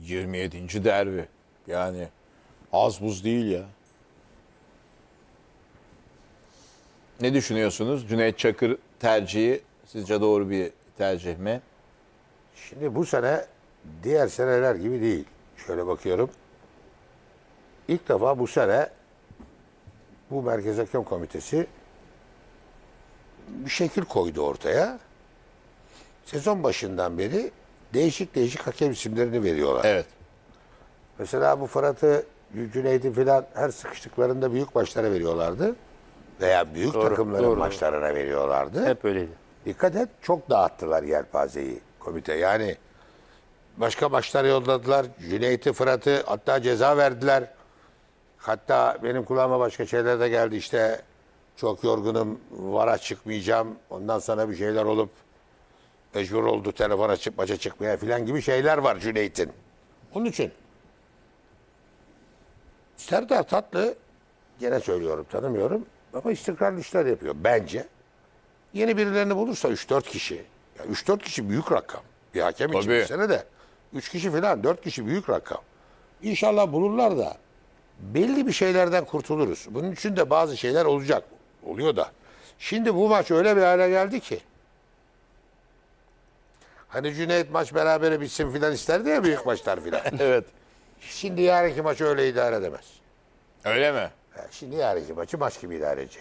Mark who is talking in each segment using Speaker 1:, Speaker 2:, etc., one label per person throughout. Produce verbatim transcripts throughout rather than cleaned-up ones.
Speaker 1: yirmi yedinci derbi. Yani az buz değil ya. Ne düşünüyorsunuz? Cüneyt Çakır tercihi sizce doğru bir tercih mi?
Speaker 2: Şimdi bu sene diğer seneler gibi değil. Şöyle bakıyorum. İlk defa bu sene bu Merkez Hakem Komitesi bir şekil koydu ortaya. Sezon başından beri değişik değişik hakem isimlerini veriyorlar.
Speaker 1: Evet.
Speaker 2: Mesela bu Fırat'ı, Cüneyt'i filan her sıkıştıklarında büyük maçlara veriyorlardı. Veya büyük
Speaker 3: Doğru,
Speaker 2: takımların
Speaker 3: doğru.
Speaker 2: maçlarına veriyorlardı.
Speaker 3: Hep öyleydi.
Speaker 2: Dikkat et, çok dağıttılar yelpazeyi komite. Yani başka maçlara yolladılar. Cüneyt'i, Fırat'ı hatta ceza verdiler. Hatta benim kulağıma başka şeyler de geldi. İşte çok yorgunum, vara çıkmayacağım. Ondan sonra bir şeyler olup mecbur oldu telefona çık, maça çıkmaya falan gibi şeyler var Cüneyt'in. Onun için Serdar Tatlı, gene söylüyorum tanımıyorum ama istikrarlı işler yapıyor bence. Yeni birilerini bulursa üç dört kişi. Ya üç dört kişi büyük rakam. Bir hakem için
Speaker 1: Tabii.
Speaker 2: bir sene de. üç kişi falan, dört kişi büyük rakam. İnşallah bulurlar da belli bir şeylerden kurtuluruz. Bunun için de bazı şeyler olacak. Oluyor da. Şimdi bu maç öyle bir hale geldi ki. Hani Cüneyt maç berabere bitsin filan isterdi ya büyük maçlar filan.
Speaker 1: Evet.
Speaker 2: Şimdi yarınki maçı öyle idare edemez.
Speaker 1: Öyle mi?
Speaker 2: Ha, Şimdi yarınki maçı maç gibi idare edecek.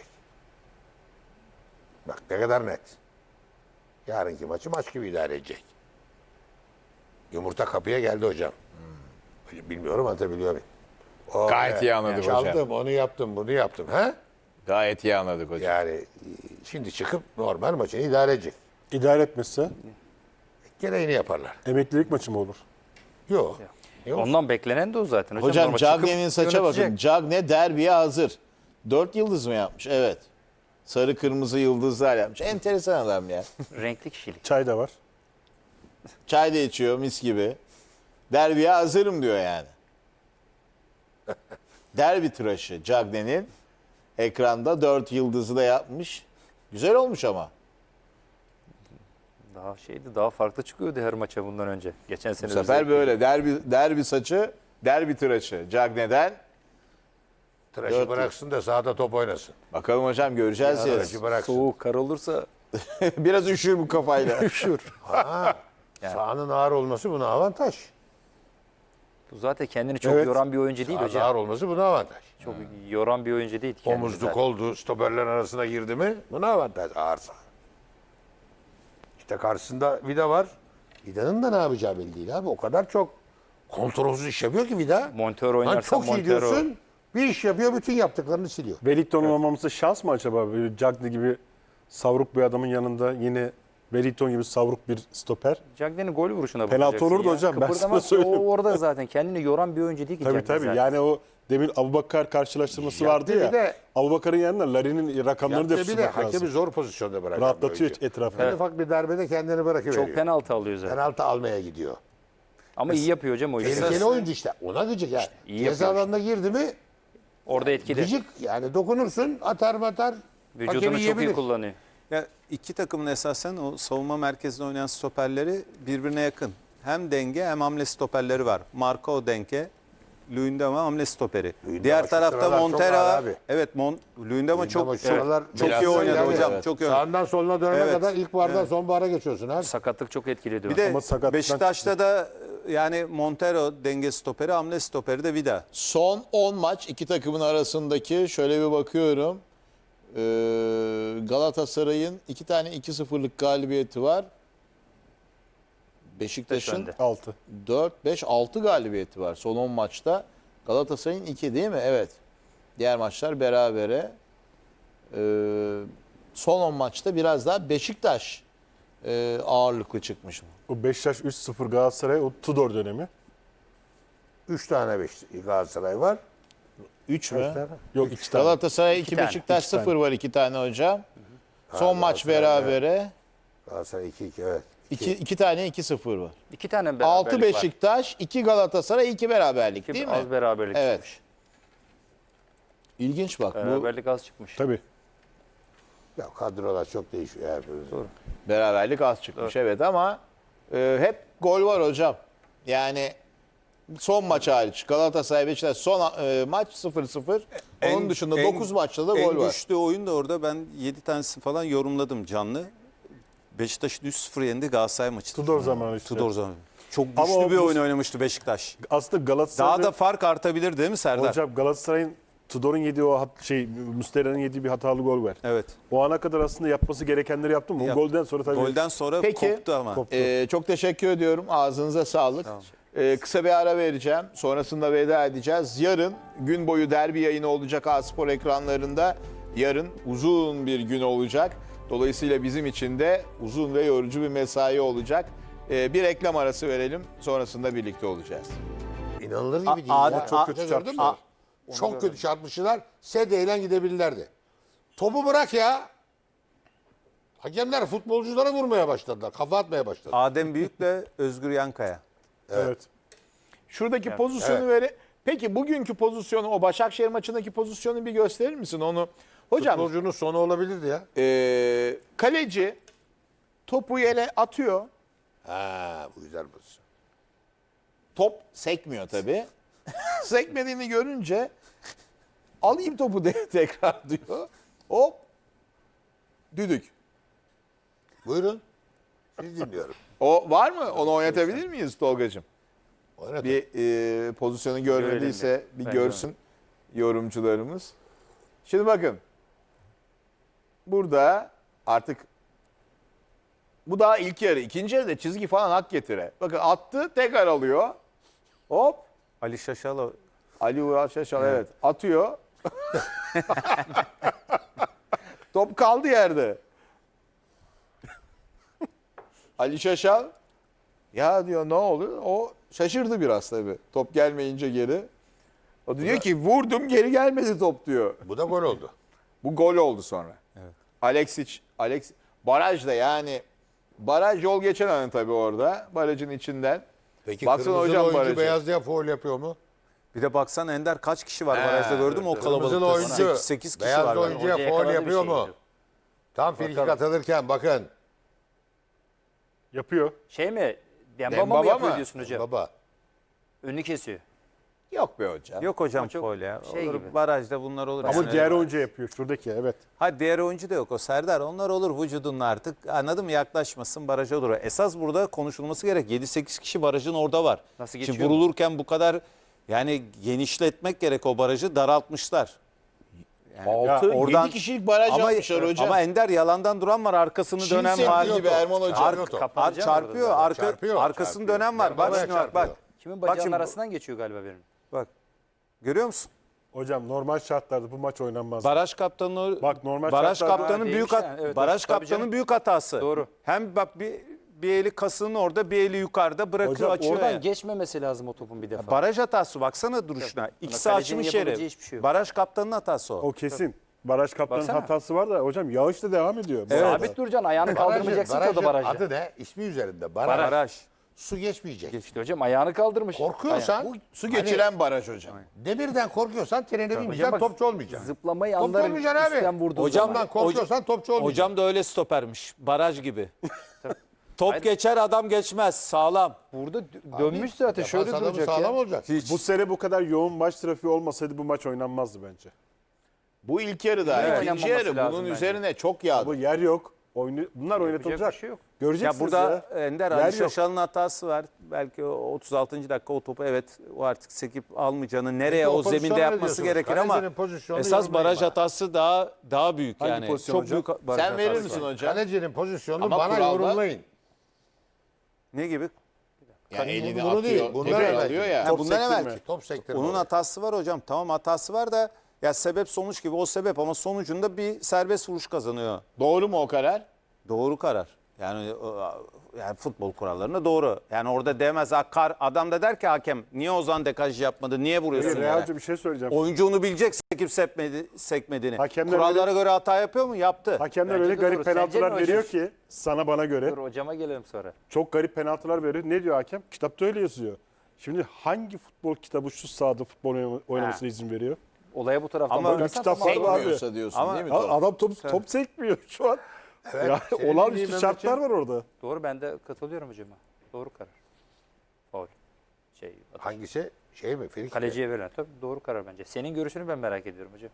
Speaker 2: Bak ne kadar net. Yarınki maçı maç gibi idare edecek. Yumurta kapıya geldi hocam. Bilmiyorum anlatabiliyor muyum? O,
Speaker 1: Gayet iyi anladık hocam.
Speaker 2: Çaldım, onu yaptım, bunu yaptım. Ha?
Speaker 1: Gayet iyi anladık hocam.
Speaker 2: Yani e, şimdi çıkıp normal maçını idare edecek.
Speaker 4: İdare etmezse
Speaker 2: Gereğini yaparlar.
Speaker 4: emeklilik maçı mı olur?
Speaker 2: Yok. Yok.
Speaker 3: Ondan beklenen de o zaten. Hocam,
Speaker 1: Hocam
Speaker 3: normal çıkıp
Speaker 1: Cagne'nin saça
Speaker 3: yönetecek.
Speaker 1: bakın. Cagne derbiye hazır. Dört yıldız mı yapmış? Evet. Sarı kırmızı yıldızlar yapmış. Enteresan adam ya.
Speaker 3: Renkli kişilik.
Speaker 4: Çay da var.
Speaker 1: Çay da içiyor mis gibi. Derbiye hazırım diyor yani. Derbi tıraşı Cagne'nin ekranda dört yıldızı da yapmış. Güzel olmuş ama.
Speaker 3: Daha şeydi, daha farklı çıkıyordu her maça bundan önce. Geçen
Speaker 1: Bu
Speaker 3: sene
Speaker 1: sefer
Speaker 3: özellikle.
Speaker 1: böyle derbi derbi saçı, derbi tıraşı Cagne'den.
Speaker 2: Tıraşı
Speaker 1: Dört
Speaker 2: bıraksın da sahada top oynasın.
Speaker 1: Bakalım hocam göreceğiz ya.
Speaker 2: Tıraşı bıraksın.
Speaker 3: Soğuk, kar olursa
Speaker 1: Biraz üşür bu kafayla.
Speaker 3: üşür.
Speaker 2: Ha, Sahanın ağır olması buna avantaj.
Speaker 3: Bu zaten kendini çok
Speaker 4: Evet.
Speaker 3: yoran bir oyuncu değil
Speaker 2: Sahanın
Speaker 3: hocam.
Speaker 2: ağır olması buna avantaj.
Speaker 3: Çok yoran bir oyuncu değil kendini
Speaker 2: Omuzluk
Speaker 3: zaten.
Speaker 2: oldu, stoperlerin arasına girdi mi buna avantaj ağır saha. İşte karşısında Vida var. Vida'nın da ne yapacağı belli değil abi. O kadar çok kontrolsüz iş yapıyor ki Vida.
Speaker 3: Montero
Speaker 2: Lan
Speaker 3: oynarsa
Speaker 2: çok iyi
Speaker 3: Montero.
Speaker 2: diyorsun. Bir iş yapıyor, bütün yaptıklarını siliyor.
Speaker 4: Wellington'un olmaması şans mı acaba? Böyle Cagney gibi savruk bir adamın yanında yine Wellington gibi savruk bir stoper.
Speaker 3: Cagne'nin gol vuruşuna
Speaker 4: Penaltı
Speaker 3: bakacaksın
Speaker 4: olurdu
Speaker 3: ya.
Speaker 4: hocam, ben sana
Speaker 3: Kıpırdamaz ki,
Speaker 4: söyleyeyim.
Speaker 3: O orada zaten kendini yoran bir oyuncu değil ki
Speaker 4: Tabii
Speaker 3: Cagney
Speaker 4: tabii.
Speaker 3: zaten.
Speaker 4: Yani o demin Abubakar karşılaştırması
Speaker 2: Yaptı
Speaker 4: vardı
Speaker 2: bir
Speaker 4: ya.
Speaker 2: de-
Speaker 4: Abubakar'ın yanına Larin'in rakamlarını da
Speaker 2: Yaptığı bir de
Speaker 4: tutmak
Speaker 2: hakemi
Speaker 4: lazım.
Speaker 2: zor pozisyonda bırakan
Speaker 4: Rahatlatıyor
Speaker 2: bir oyuncu.
Speaker 4: etrafını.
Speaker 2: En ufak bir darbede kendini bırakıveriyor.
Speaker 3: Çok penaltı alıyor zaten.
Speaker 2: Penaltı almaya gidiyor.
Speaker 3: Ama iyi yapıyor hocam o işi.
Speaker 2: Tehlikeli oyuncu işte. Ona gıcık yani.
Speaker 3: iyi
Speaker 2: Ceza
Speaker 3: yapıyor
Speaker 2: alanına girdi mi
Speaker 3: Orada etkili.
Speaker 2: gıcık yani dokunursun atar matar.
Speaker 3: Vücudunu
Speaker 2: hakemi
Speaker 3: çok iyi
Speaker 2: yiyebilir.
Speaker 3: kullanıyor.
Speaker 5: Ya iki takımın esasen o savunma merkezinde oynayan stoperleri birbirine yakın. Hem denge hem hamle stoperleri var. Marco denge, Luyendama hamle stoperi.
Speaker 2: Luyendama
Speaker 5: Diğer
Speaker 2: şu
Speaker 5: tarafta
Speaker 2: sıralar çok
Speaker 5: Montero.
Speaker 2: ağır abi.
Speaker 5: Evet, Mon Luyendama çok
Speaker 2: Ama şu sıralar
Speaker 5: çok
Speaker 1: biraz
Speaker 5: iyi oynadı
Speaker 1: yani,
Speaker 5: hocam.
Speaker 1: evet.
Speaker 5: Çok iyi.
Speaker 2: Sağından soluna dönene
Speaker 5: Evet.
Speaker 2: kadar ilkbahardan sonbahara geçiyorsun abi.
Speaker 3: Sakatlık çok etkili diyor.
Speaker 5: Bir de
Speaker 4: Ama sakatlıktan-
Speaker 5: Beşiktaş'ta da yani Montero denge stoperi, hamle stoperi de Vida.
Speaker 1: Son on maç iki takımın arasındaki şöyle bir bakıyorum. Ee, Galatasaray'ın iki tane iki sıfırlık galibiyeti var. Beşiktaş'ın
Speaker 3: önde.
Speaker 4: altı.
Speaker 1: dört beş altı galibiyeti var son on maçta. Galatasaray'ın iki değil mi? Evet. Diğer maçlar berabere. Ee, son on maçta biraz daha Beşiktaş e, ağırlıklı çıkmış.
Speaker 4: O Beşiktaş üç sıfır Galatasaray o Tudor dönemi.
Speaker 2: Üç tane beş Galatasaray var.
Speaker 1: üç mü?
Speaker 2: Kaç tane?
Speaker 4: Yok iki tane.
Speaker 1: Galatasaray iki,
Speaker 3: tane,
Speaker 1: Beşiktaş
Speaker 4: iki tane.
Speaker 1: sıfır var iki tane hocam. Son maç
Speaker 2: Galatasaray,
Speaker 1: berabere.
Speaker 2: Galatasaray iki iki evet.
Speaker 1: İki, iki tane iki sıfır var.
Speaker 3: İki tane beraberlik
Speaker 1: altı
Speaker 3: var.
Speaker 1: Beşiktaş, iki Galatasaray, iki beraberlik
Speaker 3: İki
Speaker 1: değil mi?
Speaker 3: az beraberlik
Speaker 1: Evet.
Speaker 3: çıkmış.
Speaker 1: İlginç bak bu
Speaker 3: Beraberlik az çıkmış.
Speaker 4: Tabii.
Speaker 2: Ya kadrolar çok değişiyor. Yani.
Speaker 1: beraberlik az çıkmış evet ama e, hep gol var hocam. Yani Son maç hariç. Galatasaray Beşiktaş son e, maç sıfır sıfır. Onun
Speaker 5: En-
Speaker 1: dışında
Speaker 5: en-
Speaker 1: dokuz maçta da
Speaker 5: en
Speaker 1: gol var.
Speaker 5: güçlü oyun da orada ben yedi tanesini falan yorumladım canlı. Beşiktaş'ın üç sıfır yendi Galatasaray maçı.
Speaker 4: Tudor zamanı işte.
Speaker 5: Tudor zamanı. Çok güçlü
Speaker 4: Ama o
Speaker 5: bir
Speaker 4: bu-
Speaker 5: oyun oynamıştı Beşiktaş.
Speaker 4: Aslında Galatasaray'ın...
Speaker 5: Daha da fark artabilir değil mi Serdar?
Speaker 4: Hocam Galatasaray'ın Tudor'un yediği o hat, şey Muslera'nın yediği bir hatalı gol var.
Speaker 5: Evet.
Speaker 4: O ana kadar aslında yapması gerekenleri yaptı mı? O
Speaker 5: Yap-
Speaker 4: golden sonra tabii
Speaker 5: Golden sonra
Speaker 1: Peki.
Speaker 5: koptu ama.
Speaker 4: koptu.
Speaker 1: Ee, çok teşekkür ediyorum. Ağzınıza sağlık. Ee, kısa bir ara vereceğim. Sonrasında veda edeceğiz. Yarın gün boyu derbi yayını olacak A-Spor ekranlarında. Yarın uzun bir gün olacak. Dolayısıyla bizim için de uzun ve yorucu bir mesai olacak. Ee, bir reklam arası verelim. Sonrasında birlikte olacağız.
Speaker 2: İnanılır gibi değil
Speaker 5: A-
Speaker 2: ya.
Speaker 5: A-
Speaker 2: Çok
Speaker 5: A-
Speaker 2: kötü çarpmışlar. Çok kötü çarpmışlar. Sedeyle gidebilirlerdi. Topu bırak ya. Hakemler futbolculara vurmaya başladılar. Kafa atmaya başladı.
Speaker 5: Adem Büyük'le Özgür Yankaya.
Speaker 4: Evet.
Speaker 1: Şuradaki pozisyonu
Speaker 2: evet.
Speaker 1: vere. Peki bugünkü pozisyonu, o Başakşehir maçındaki pozisyonu bir gösterir misin onu? Hocam
Speaker 2: Futbolcunun sonu olabilirdi ya.
Speaker 1: e, kaleci topu yere atıyor.
Speaker 2: Ha, bu güzel pozisyon.
Speaker 1: Top sekmiyor tabii. Sekmediğini görünce alayım topu de tekrar diyor. Hop. Düdük.
Speaker 2: Buyurun. Siz dinliyorum.
Speaker 1: O var mı? Onu oynatabilir miyiz Tolgacığım?
Speaker 2: Oynatın.
Speaker 1: Bir e, pozisyonu görmediyse bir
Speaker 3: Ben
Speaker 1: görsün yorumcularımız. Şimdi bakın. Burada artık bu daha ilk yarı. İkinci yarıda çizgi falan hak getire. Bakın attı, tekrar alıyor. Hop.
Speaker 5: Ali Şaşalo.
Speaker 1: Ali Ural Şaşal evet. Atıyor. Top kaldı yerde. Ali Şaşal ya diyor ne oluyor? O şaşırdı biraz tabii. Top gelmeyince geri. O diyor ki vurdum geri gelmedi top diyor.
Speaker 2: Bu da gol oldu.
Speaker 1: Bu gol oldu sonra. Evet. Alexic, Alex barajda yani baraj yol geçen an tabii orada. Barajın içinden.
Speaker 2: Peki
Speaker 1: Baksana
Speaker 2: kırmızılı
Speaker 1: hocam
Speaker 2: oyuncu
Speaker 1: barajı.
Speaker 2: beyazlıya faul yapıyor mu?
Speaker 5: Bir de baksan Ender kaç kişi var
Speaker 1: He,
Speaker 5: barajda gördün mü o
Speaker 2: Kırmızılı
Speaker 5: kalabalıkta?
Speaker 2: oyuncu
Speaker 5: sekiz kişi
Speaker 2: beyazlı
Speaker 5: var. galiba.
Speaker 2: oyuncuya
Speaker 3: Hoca
Speaker 2: faul
Speaker 3: yakaladı bir
Speaker 2: yapıyor
Speaker 3: şey
Speaker 2: mu?
Speaker 3: yok.
Speaker 2: Tam frikik atılırken bakın.
Speaker 4: Yapıyor.
Speaker 3: Şey mi? Dembaba
Speaker 1: Dembaba
Speaker 3: mı yapıyor
Speaker 1: mı?
Speaker 3: diyorsun hocam?
Speaker 2: Baba.
Speaker 3: Önünü kesiyor.
Speaker 1: Yok be hocam.
Speaker 5: Yok hocam
Speaker 3: Ama çok
Speaker 5: faul ya.
Speaker 3: şey
Speaker 5: olur,
Speaker 3: gibi.
Speaker 5: barajda bunlar olur.
Speaker 4: Ama
Speaker 5: Yani.
Speaker 4: diğer oyuncu yapıyor. Şuradaki evet.
Speaker 5: Ha diğer oyuncu da yok o Serdar. Onlar olur vücudunla artık. Anladın mı? Yaklaşmasın baraja olur. Esas burada konuşulması gerek. yedi sekiz kişi barajın orada var.
Speaker 3: Nasıl
Speaker 5: Şimdi
Speaker 3: geçiyor?
Speaker 5: vurulurken bu kadar yani genişletmek gerek o barajı daraltmışlar.
Speaker 1: altı
Speaker 5: oradan-
Speaker 1: yedi kişilik baraj
Speaker 5: Ama,
Speaker 1: yapmışlar hocam.
Speaker 5: ama Ender yalandan duran var. Arkasını
Speaker 1: Çin
Speaker 5: dönen
Speaker 1: Seddi
Speaker 5: var.
Speaker 1: gibi Erman Hoca.
Speaker 5: Ar-
Speaker 2: Çarpıyor top.
Speaker 5: ar-
Speaker 3: Kapanacak
Speaker 5: çarpıyor.
Speaker 3: orada
Speaker 5: Arka,
Speaker 2: Çarpıyor,
Speaker 5: arkasını
Speaker 2: çarpıyor.
Speaker 5: dönen var. Bak
Speaker 2: Dembaba'ya
Speaker 5: şimdi bak bak.
Speaker 2: çarpıyor.
Speaker 3: Kimin
Speaker 5: Bak
Speaker 3: bacağının
Speaker 5: şimdi-
Speaker 3: arasından geçiyor galiba benim.
Speaker 5: Bak. Görüyor musun?
Speaker 4: Hocam normal şartlarda bu maç oynanmaz.
Speaker 5: Baraj kaptanı
Speaker 4: Bak, normal
Speaker 5: baraj
Speaker 4: şartlarda-
Speaker 5: kaptanının
Speaker 3: Ha,
Speaker 5: büyük
Speaker 3: değilmiş
Speaker 5: hat-
Speaker 3: yani, evet,
Speaker 5: baraj
Speaker 3: tabii
Speaker 5: kaptanının
Speaker 3: canım.
Speaker 5: büyük hatası.
Speaker 3: Doğru.
Speaker 5: Hem bak bir bir eli kasının orada, bir eli yukarıda bırakıyor
Speaker 4: Hocam,
Speaker 5: açıyor.
Speaker 3: Oradan
Speaker 5: ya.
Speaker 3: geçmemesi lazım o topun bir defa.
Speaker 5: Baraj hatası baksana duruşuna. İkisi
Speaker 3: kalecinin
Speaker 5: açmış
Speaker 3: yapabileceği
Speaker 5: yeri.
Speaker 3: hiçbir şey yok.
Speaker 5: Baraj kaptanının hatası o.
Speaker 4: O kesin. Baraj kaptanının
Speaker 3: Baksana.
Speaker 4: hatası var da hocam yağış da devam ediyor. bu arada.
Speaker 3: Sabit duracaksın, ayağını kaldırmayacaksın ki o da
Speaker 2: barajın
Speaker 3: barajda.
Speaker 2: adı ne? İsmi üzerinde. Baraj.
Speaker 5: Baraj.
Speaker 2: Su geçmeyecek.
Speaker 3: İşte hocam ayağını kaldırmış.
Speaker 2: Korkuyorsan,
Speaker 1: Bu su geçiren baraj hocam.
Speaker 2: demirden korkuyorsan trene binmeyeceksin,
Speaker 3: bak-
Speaker 2: topçu olmayacaksın.
Speaker 3: Zıplamayı
Speaker 2: Topçu
Speaker 3: anlarım
Speaker 2: olmayacaksın
Speaker 3: üstten
Speaker 2: abi.
Speaker 3: vurduğu
Speaker 5: Hocam
Speaker 3: zaman.
Speaker 5: ben-
Speaker 2: korkuyorsan topçu olmayacaksın.
Speaker 5: Hocam da öyle stopermiş. Baraj gibi. Top geçer adam geçmez. Sağlam.
Speaker 3: Burada dö- dönmüş zaten
Speaker 2: Defans
Speaker 3: şöyle
Speaker 2: adamı
Speaker 3: duracak
Speaker 2: sağlam
Speaker 3: ya.
Speaker 2: olacak.
Speaker 4: Bu sene bu kadar yoğun maç trafiği olmasaydı bu maç oynanmazdı bence.
Speaker 1: Bu ilk yarıda,
Speaker 3: Yine
Speaker 1: ikinci
Speaker 3: oynanmaması
Speaker 1: yarı
Speaker 3: lazım
Speaker 1: bunun
Speaker 3: bence.
Speaker 1: üzerine çok yağdı.
Speaker 4: Bu yer yok. Oyunu, bunlar oynatılacak.
Speaker 3: bir şey yok.
Speaker 5: Ya
Speaker 4: Göreceksiniz
Speaker 5: burada
Speaker 4: ya.
Speaker 5: Ender
Speaker 4: Yer
Speaker 5: Ali
Speaker 4: yok.
Speaker 5: Şaşal'ın hatası var. Belki o otuz altıncı dakika o topu evet o artık sekip almayacağını nereye
Speaker 2: Peki o
Speaker 5: o zeminde
Speaker 2: pozisyonu ne
Speaker 5: yapması
Speaker 2: diyorsunuz?
Speaker 5: gerekir ama
Speaker 2: Kalecinin pozisyonunu
Speaker 5: esas
Speaker 2: yorumlayın
Speaker 5: baraj
Speaker 2: bana.
Speaker 5: hatası daha daha büyük
Speaker 4: Hangi
Speaker 5: yani.
Speaker 4: pozisyon
Speaker 5: Çok
Speaker 4: hocam?
Speaker 5: büyük baraj
Speaker 1: Sen verir
Speaker 5: hatası
Speaker 1: misin
Speaker 5: var.
Speaker 1: hocam?
Speaker 2: Kalecinin pozisyonunu
Speaker 1: Ama
Speaker 2: bana
Speaker 1: kuralda-
Speaker 2: yorumlayın.
Speaker 5: Ne gibi?
Speaker 1: Yani elini
Speaker 2: bunu
Speaker 1: atıyor,
Speaker 2: değil, bundan
Speaker 1: tekrar
Speaker 2: evvelki.
Speaker 1: alıyor ya.
Speaker 5: Ha,
Speaker 4: Top
Speaker 5: bundan
Speaker 4: sektirme.
Speaker 5: evvelki.
Speaker 2: Top sektirme.
Speaker 5: Onun
Speaker 2: olayı.
Speaker 5: hatası var hocam. Tamam hatası var da ya sebep sonuç gibi o sebep ama sonucunda bir serbest vuruş kazanıyor.
Speaker 1: Doğru mu o karar?
Speaker 5: Doğru karar. Yani o- yani futbol kurallarına doğru. Yani orada demez akar adam da der ki hakem niye Ozan dekaj yapmadı? Niye vuruyorsun
Speaker 4: Hayır,
Speaker 5: yere?
Speaker 4: Realci bir şey söyleyeceğim.
Speaker 5: Oyuncu onu bilecek sekip sekmedi, sekmediğini.
Speaker 4: Hakemler
Speaker 5: Kurallara
Speaker 4: öyle-
Speaker 5: göre hata yapıyor mu? Yaptı.
Speaker 4: Hakemler
Speaker 3: Bence
Speaker 4: öyle
Speaker 3: de
Speaker 4: garip
Speaker 3: doğru. Sence
Speaker 4: penaltılar
Speaker 3: ne
Speaker 4: veriyor
Speaker 3: hocam?
Speaker 4: ki sana bana göre.
Speaker 3: Dur hocama gelelim sonra.
Speaker 4: Çok garip penaltılar veriyor. Ne diyor hakem? Kitapta öyle yazıyor. Şimdi hangi futbol kitabı şu sahada futbol oynama- oynamasına izin veriyor?
Speaker 3: Olaya bu taraftan
Speaker 5: Ama
Speaker 3: bakarsan
Speaker 4: kitap
Speaker 3: tamam.
Speaker 4: var.
Speaker 1: Sekmiyorsa diyorsun
Speaker 5: Ama-
Speaker 1: değil mi?
Speaker 4: Ha,
Speaker 1: top?
Speaker 4: adam top, top sekmiyor şu an.
Speaker 2: Evet,
Speaker 4: Ya,
Speaker 2: senin
Speaker 4: olağanüstü
Speaker 2: bildiğin
Speaker 4: şartlar
Speaker 2: Mehmetciğim.
Speaker 4: var orada.
Speaker 3: Doğru ben de katılıyorum hocama. Doğru karar. Faul.
Speaker 6: Şey,
Speaker 2: Hangisi? Şey mi? Frikik mi?
Speaker 6: kaleciye verilen. Tabii doğru karar bence. Senin görüşünü ben merak ediyorum hocam.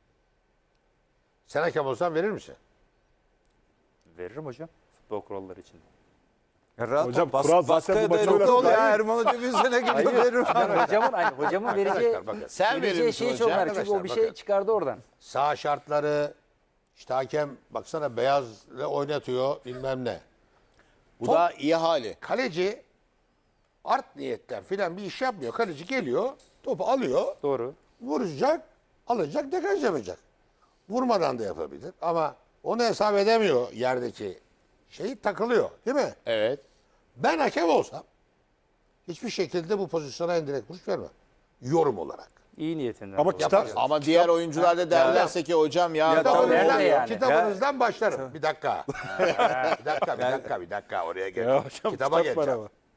Speaker 2: Sen hakem olsan verir misin?
Speaker 6: Veririm hocam. Futbol kuralları için.
Speaker 5: Ya rahat
Speaker 4: Hocam,
Speaker 5: ol, bas,
Speaker 4: kural zaten
Speaker 5: baskıya
Speaker 4: bu maçı
Speaker 5: dayanıklı ol ya.
Speaker 4: oynatıyor.
Speaker 5: Erman Hoca bir sene gidiyor verir.
Speaker 6: Yani hocamın, hani hocamın vereceği,
Speaker 2: Arkadaşlar bakın.
Speaker 1: Sen verir
Speaker 6: vereceği
Speaker 1: misin
Speaker 6: şeyi çok
Speaker 1: hocam?
Speaker 6: merak. Çünkü o bir
Speaker 2: Arkadaşlar
Speaker 6: şey
Speaker 2: bakın.
Speaker 6: çıkardı oradan.
Speaker 2: Sağ şartları, işte hakem baksana beyazla oynatıyor bilmem ne.
Speaker 1: Bu
Speaker 2: Top-
Speaker 1: da iyi hali.
Speaker 2: Kaleci art niyetten filan bir iş yapmıyor. Kaleci geliyor, topu alıyor,
Speaker 6: Doğru.
Speaker 2: vuracak, alacak, dekaj yapacak. Vurmadan da yapabilir ama onu hesap edemiyor yerdeki şeyi, takılıyor değil mi?
Speaker 1: Evet.
Speaker 2: Ben hakem olsam hiçbir şekilde bu pozisyona indirekt vuruş vermem. Yorum olarak.
Speaker 6: İyi niyetinden.
Speaker 4: Ama
Speaker 6: dolayı.
Speaker 4: kitap,
Speaker 1: Ama diğer oyuncular da derlerse ki hocam ya,
Speaker 5: Ya
Speaker 1: tamam,
Speaker 5: tabii.
Speaker 2: Kitabınızdan,
Speaker 6: nerede yani?
Speaker 2: kitabınızdan başlarım. Bir dakika. bir dakika, bir dakika, bir dakika. Oraya
Speaker 4: Ya
Speaker 2: gel.
Speaker 4: hocam,
Speaker 2: Kitaba
Speaker 4: kitap var
Speaker 2: geleceğim.
Speaker 4: ama.